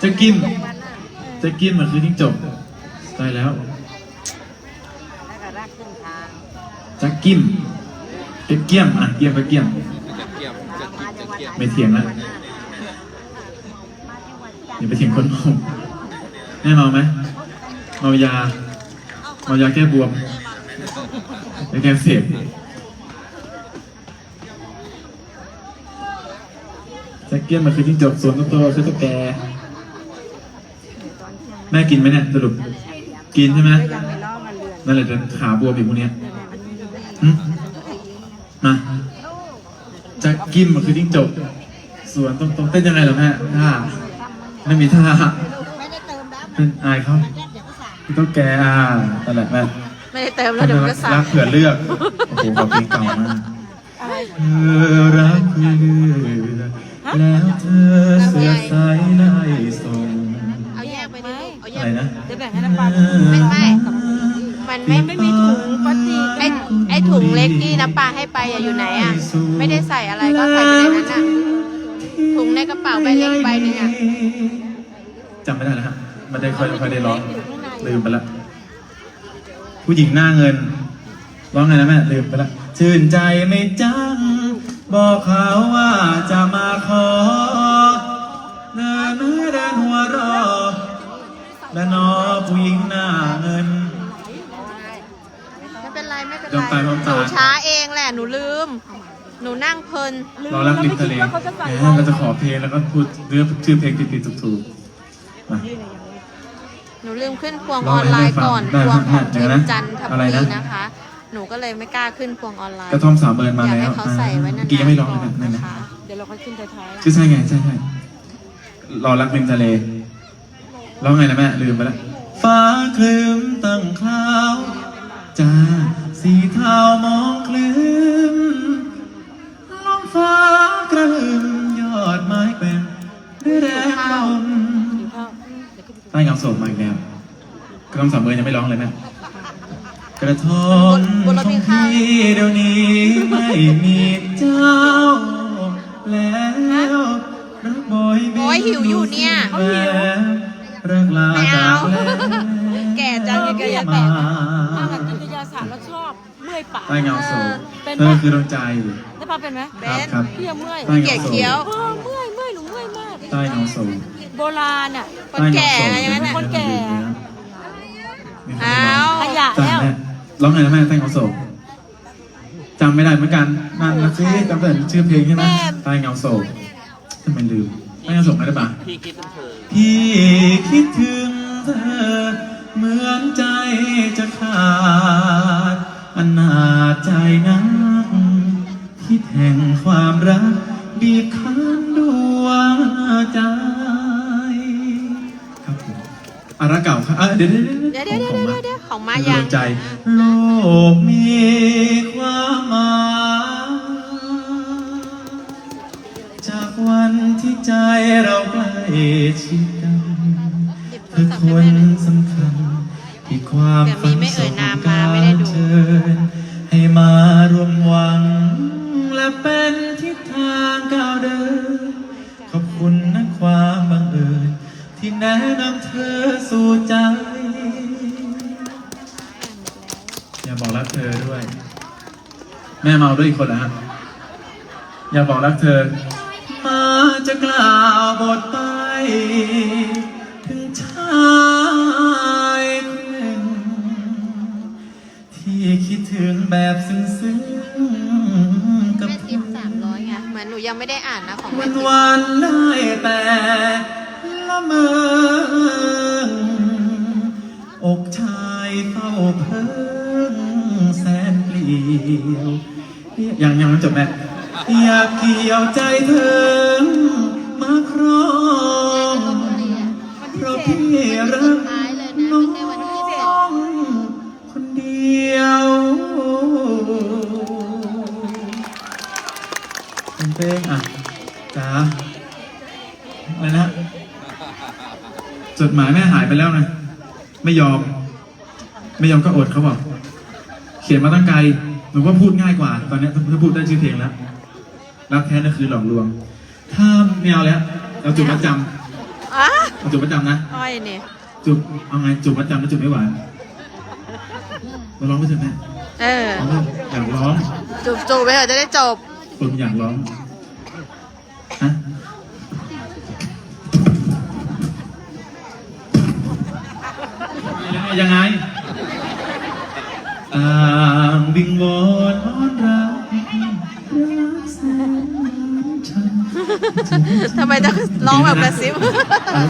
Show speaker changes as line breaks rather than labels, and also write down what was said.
จะกินมันคือจิ้งจกใช่แล้วจะกินเกี้ยมอ่ะเกี้ยมไม่เถียงแล้วอย่าไปเถียงคนเมาแม่เมาไหมเมายาแก้บวมแก้เสพจะเกี้ยมมันคือจิ้งจกส่วนตัวคือตุ๊กแกแม่กินไหมเนี่ยสรุปกินใช่ไหมนั่นแหละจะขาบวมอีกพวกนี้มาจะกินมันคือจิ้งจกส่วนตรงเต้นยังไงล่ะแม่ท่าไม่มีท่าเป็นอายเขาตุ๊กแกนั่นแหละแม่
ไม่ได้เติมแล้วเดี๋ยวก็สั่ง
รักเผื่อเลือกโอ้โหเพลงเก่ามากเธอรักเผื่อเลือกแล้วเธอเสียสายไล่ส่ง
เอาแยกไปดิเอาแยก
อะไรนะ
จะแบ่งให้น้ำปลา
ไม่มันไม่มีถุงพลาสติกไอถุงเล็กที่น้ำปลาให้ไปอยู่ไหนอ่ะไม่ได้ใส่อะไรก็ใส่ไปในนั้นอ่ะถุงในกระเป๋าใบเล็กใบนึงอ่ะ
จำไม่ได้แล้วฮะไม่ได้ค่อยได้ร้องลืมไปละผู้หญิงหน้าเงินร้องไงนะแม่ลืมไปละชื่นใจไม่จังบอกเขาว่าจะมาขอเดินหัวรอและนอผู้หญิงหน้าเงิน
ไม่เป็นไรห
นู
ช้าเองแหละหนูลืมหนูนั่งเพลิน
เรารักริมทะเลเราจะขอเพลงแล้วก็พูดเรื่องชื่อเพลงติดๆถูกๆมา
หนูลืมขึ้นพวงออนไลน์ก่อนพวงของทีมจันทบุรีนะคะหนูก็เลยไม่กล้าขึ้นพวงออนไลน์
กระท่อม3 เบิร์นมาแล้ว
อยากให้เขาใส่ไว้นานๆ
กี่ยังไม่ร้องเลย
นะคะ
เดี๋ยวเราค่อยขึ้นท้าย
ใช่ไงใช่รอรักริมทะเลร้องไงนะแม่ลืมไปแล้วฟ้าคลึ้มตั้งคราวจ้าสีเทามองคลึ้มลมฟ้ากระหึ่มยอดไม้แกว่งด้วยแรงลมใต้เงาโศกมาอีกแล้วกระท่อม3 เบิร์นยังไม่ร้องเลยแม่กระท่อมของพี่เดี๋ยวนี้ไม่มีเจ้าแล้วรักบอย
หิวอยู่เนี่ย
รักลาจากแล้ว
แก่จังยังแก่
อาหารจิตยาศาสตร์แล้วชอบเมื่อยปาก
ใต้เงาโศกเธอคือดวงใจ
ได้ปะเป็นไหม
ครับ
พี่เมื่อย
แก่เคี้ยว
เมื่อยหนูเมื่อยมาก
ใต้เงาโศก
โบราณอ่ะ
คนแก่อย่างนั้น
คนแก่
ขยะแล้ว
ร้องไงนะแม่ใต้เงาโศกจำไม่ได้เหมือนกันนั่นนะสิจำแต่ชื่อเพลงใช่ไหมใต้เงาโศกทำไมลืมใต้เงาโศกไงได้ปะพี่คิดถึงเธอเหมือนใจจะขาดอนาจใจนักที่แห่งความรักบีบคั้นดวงใจครับผมรักเก่าครับเดี๋ยว
ของมายัง
ใจโลกมีความหมายจากวันที่ใจเราใกล้ชิดกันคือคนสำคัญที่ความฝันสมการเชิญให้มารวมหวังและเป็นทิศทางก้าวเดินขอบคุณนะความบังเอิญที่แนะนำเธอสู่ใจอย่าบอกรักเธอด้วยแม่เมาด้วยอีกคนเหรอฮะอย่าบอกรักเธอมาจะกล่าวบทไปถึงชายคนหนึ่งที่คิดถึงแบบซึ้งๆกับ
ทิป300ไงเหมือนหนูยังไม่ได้อ่านนะของ
วันได้แต่ละเมออกชายเฝ้าเพิ่งแสนเปลี่ยวยังไม่จบแม่อยากเกี่ยวใจเธอมาครองเพราะพี่รักน้องคนเดียวเป็นเพลงจ๋าอะไรนะจดหมายแม่หายไปแล้วนะไม่ยอมก็อดเขาบอกเขียนมาตั้งไกลหนูว่าพูดง่ายกว่าตอนนี้ถ้าพูดได้ชื่อเพลงแล้วรักแท้นั่นคือหลอกลวงถ้าไม่เอาแล้วเราจุดประจำเอาจูบประจำนะ
อ้อยเนี่ย
จูบเอาไงจูบประจำแล้วจูบไม่หวานมาร้องไปเถอะแม่
เออ
เอาเลยอยากร้อง
จูบไปเถอะจะได้จบ
คนอยากร้องฮะยังไงต่างวิงวอนอ้อนรักแสนฉัน
ทำไมต้องร้องแบบกระซิบ
เอา